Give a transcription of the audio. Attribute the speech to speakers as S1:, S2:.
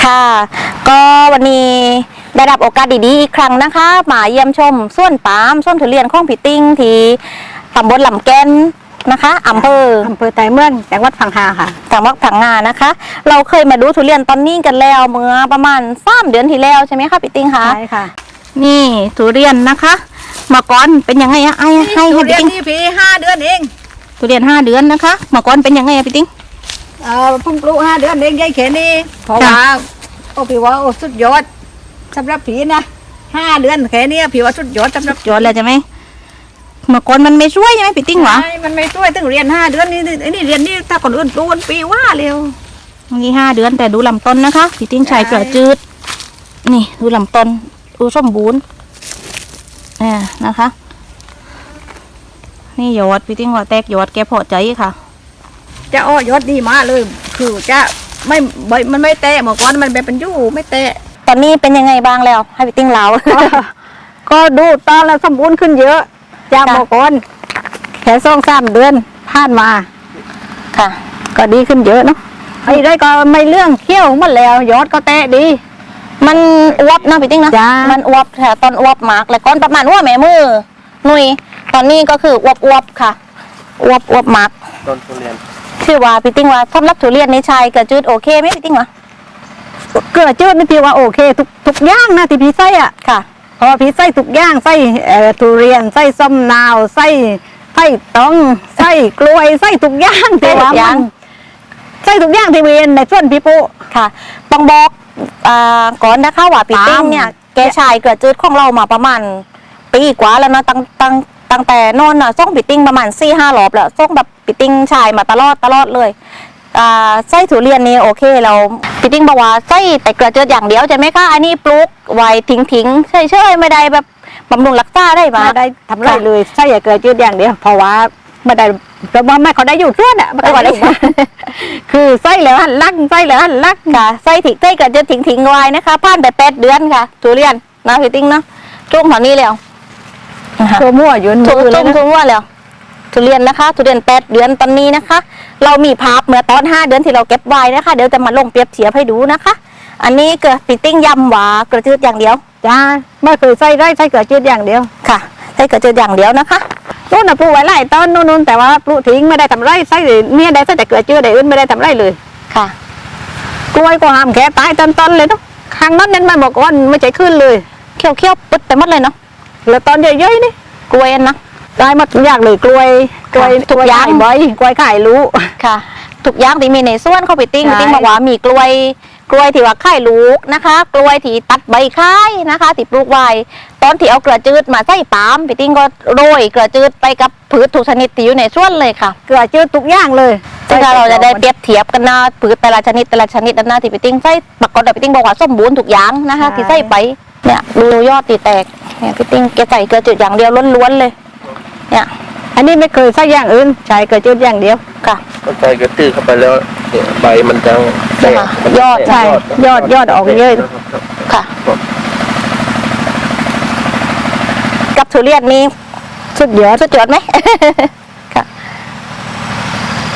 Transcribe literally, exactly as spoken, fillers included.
S1: ค่ะก็วันนี้ได้รับโอกาสดีๆอีกครั้งนะคะมาเยี่ยมชมสวนปาล์มสวนทุเรียนของพี่ติ้งที่ตำบลลำแก่นนะคะอำเภอ
S2: อำเภอไตรเมืองจังหวัดพังงาค่ะ
S1: จังหวัดพังงานะคะเราเคยมาดูทุเรียนตอนนี้กันแล้วเมื่อประมาณสามเดือนที่แล้วใช่ไหมคะพี่ติ้งคะ
S2: ใช่ค่ะ
S1: นี่ทุเรียนนะคะเมื่อก่อนเป็นยังไงอะไอ้ให้ให้พี่ติ้ง
S2: นี่พี่ห้าเดือนเอง
S1: ทุเรียนห้าเดือนนะคะเมื่อก่อนเป็นยังไงอะพี่ติ้ง
S2: เอ่อพุ่งปลูกห้าเดือนเองยายเขนี่เพราะว่าโอ้พี่ว่าโอ้สุดยอดสำหรับผีนะห้าเดือนแค่นี้พี่ว่าสุดยอดสำหรับ
S1: ยอดเลยใช่ไหมเมื่อก่อนมันไม่ช่วยใช่ไหมพี่ติ้งหรอ
S2: ใช่มันไม่ช่วยตั้งเรียนห้าเดือนนี่นี่เรียนนี่ถ้าคนอื่นปลูกปีว่าเร็ว
S1: นี่ห้าเดือนแต่ดูลำต้นนะคะพี่ติ้งใช้เกลือจืดนี่ดูลำต้นดูสมบูรณ์นี่นะคะนี่ยอดพี่ติ้งว่าแตกยอดแกพอใจค่ะ
S2: จะอ้อยอดดีมากเลยคือจะไม่ใบมันไม่แตะเมื่อก่อนมันเป็นยู่ไม่แตะ
S1: ตอนนี้เป็นยังไงบ้างแล้วให้พี่ติ้งเล่า
S2: ก็ดูตอนแล้วสมบูรณ์ขึ้นเยอะจากเมื่อก่อนแค่สองสามเดือนผ่านมา
S1: ค่ะ
S2: ก็ดีขึ้นเยอะเนาะไอ้ได้ก็ไม่เรื่องเขี้ยวหมดแล้วยอดก็แตะดี
S1: มันอวบนะพี่ติ้งนะมันอวบแต่ตอนอวบมากแล้วก้อนประมาณว่าแม่มือหนุ่ยตอนนี้ก็คืออวบอวบค่ะอวบอวบมาก
S3: ต้นทุเรียน
S1: ชื่อว่าพี่ติ้งว่าสำหรับทุเรียนในชายเกลือจืดโอเคไหมพี่ติ้งวะ
S2: เกลือจืดนี่พี่ว่าโอเคทุกทุกอย่างนะที่พี่ใส่อ่ะ
S1: ค่ะ
S2: เพราะพี่ใส่ทุกอย่างใส่เอ่อทุเรียนใส่ส้มนาวใส่ใส่ต้องใส่กล้วยใส่ทุกอย่างที่ว่ามันใส่ทุกอย่างที่เวียนในส่วนพี่ปุ๊
S1: ค่ะต้องบอกอ่าก่อนนะคะว่าพี่ติ้งเนี่ยแกชายเกลือจืดของเรามาประมาณปีกว่าแล้วนะตั้งตั้งตั้งแต่นอนน่ะส่งพี่ติ้งประมาณสี่ห้ารอบแล้วส่งแบบพี่ติ้งชายมาตลอดตลอดเลยอ่าไส้ทุเรียนนี่โอเคเราพี่ติ้งบอกว่าไส้แต่เกลือจืดอย่างเดียวใช่ไหมคะอันนี้ปลูกไว้ทิ้งทิ้งเฉยเฉยไม่ได้แบบบำรุงรักษาได้มา
S2: ไม่ได้ทำไรเลยไส้เกลือจืดอย่างเดียวเพราะว่าไม่ได้แต่ว่าไม่เขาได้อยู่ส่วนอ่ะไม่ได้คือไส้แล้วหันลักไส้แล้วหันลัก
S1: ค่ะไส้ทิ้งไส้เกลือจืดทิ้งทิ้งไว้นะคะผ่านไปแปดเดือนค่ะทุเรียนนะพี่ติ้งเนาะจุ่มแถวนี้แล้ว
S2: ตัวมั่วยืน
S1: จุ่มจุ่มจุ่มมั่วแล้วทุเรียนนะคะทุเรียนแปดเดือนตอนนี้นะคะเรามีภาพเมื่อตอนห้าเดือนที่เราเก็บไว้นะคะเดี๋ยวจะมาลงเปรียบเทียบให้ดูนะคะอันนี้เกลือพี่ติ้งยำหวากระจืดอย่างเดียว
S2: จ้าไม่เคยใส่ได้ใส่เกลือจืดอย่างเดียว
S1: ค่ะใส่เกลือจืดอย่างเดียวนะคะ
S2: นู่นน่ะปลูกไว้หลายต้นนู่นแต่ว่าปลูกทิ้งไม่ได้ทำไรใส่เนี่ยได้ใส่แต่เกลือจืดได้อื่นไม่ได้ทำไรเลย
S1: ค่ะ
S2: กล้วยก็ห้ามแค่ตายต้นๆเลยเนาะข้างนั้นนั้นมันบอกว่าไม่ใจขึ้นเลย
S1: เคี้ยวเคี้ยวปึ๊ดไปหมดเลยเนาะ
S2: แล้วตอนเยอะๆนี่
S1: กล้วยนะ
S2: ได้หมดทุกอย่างเลยกล้วยกล้วย
S1: ทุกอย่าง
S2: ใบกล้วยไข่รู้
S1: ค่ะทุกอย่างที่มีในส่วนเขาไปติ้งติ้งบอกว่ามีกล้วยกล้วยที่ว่าไข่ลูกนะคะกล้วยที่ตัดใบไข่นะคะที่ปลูกไว้ตอนที่เอาเกลือจืดมาใส่ปาล์มไปติ้งก็โรยเกลือจืดไปกับพืชทุกชนิดที่อยู่ในส่วนเลยค่ะ
S2: เกลือจืดทุกอย่างเลย
S1: ซึ่งเราจะได้เปรียบเทียบกันนะพืชแต่ละชนิดแต่ละชนิดนะที่ไปติ้งใส่ปรากฏว่าไปติ้งบอกว่าสมบูรณ์ทุกอย่างนะคะที่ใส่ไปเนี่ยดูยอดตีแตกเนี่ยพี่ติ้งแกใส่เกลือจืดอย่างเดียวล้วนๆเลยเนี่ย
S2: อันนี้ไม่เคยใส่อย่างอื่นใช้เกลือจืดอย่างเดียว
S1: ค่ะ
S3: ก็ใส่เกลือจืดเข้าไปแล้วเนี่ยใบมันจะแตก
S1: ยอด
S2: ใช่ยอดยอดออกเยอะ
S1: ค่ะกับทุเรียนนี้
S2: สุดยอด
S1: สุดยอดไหม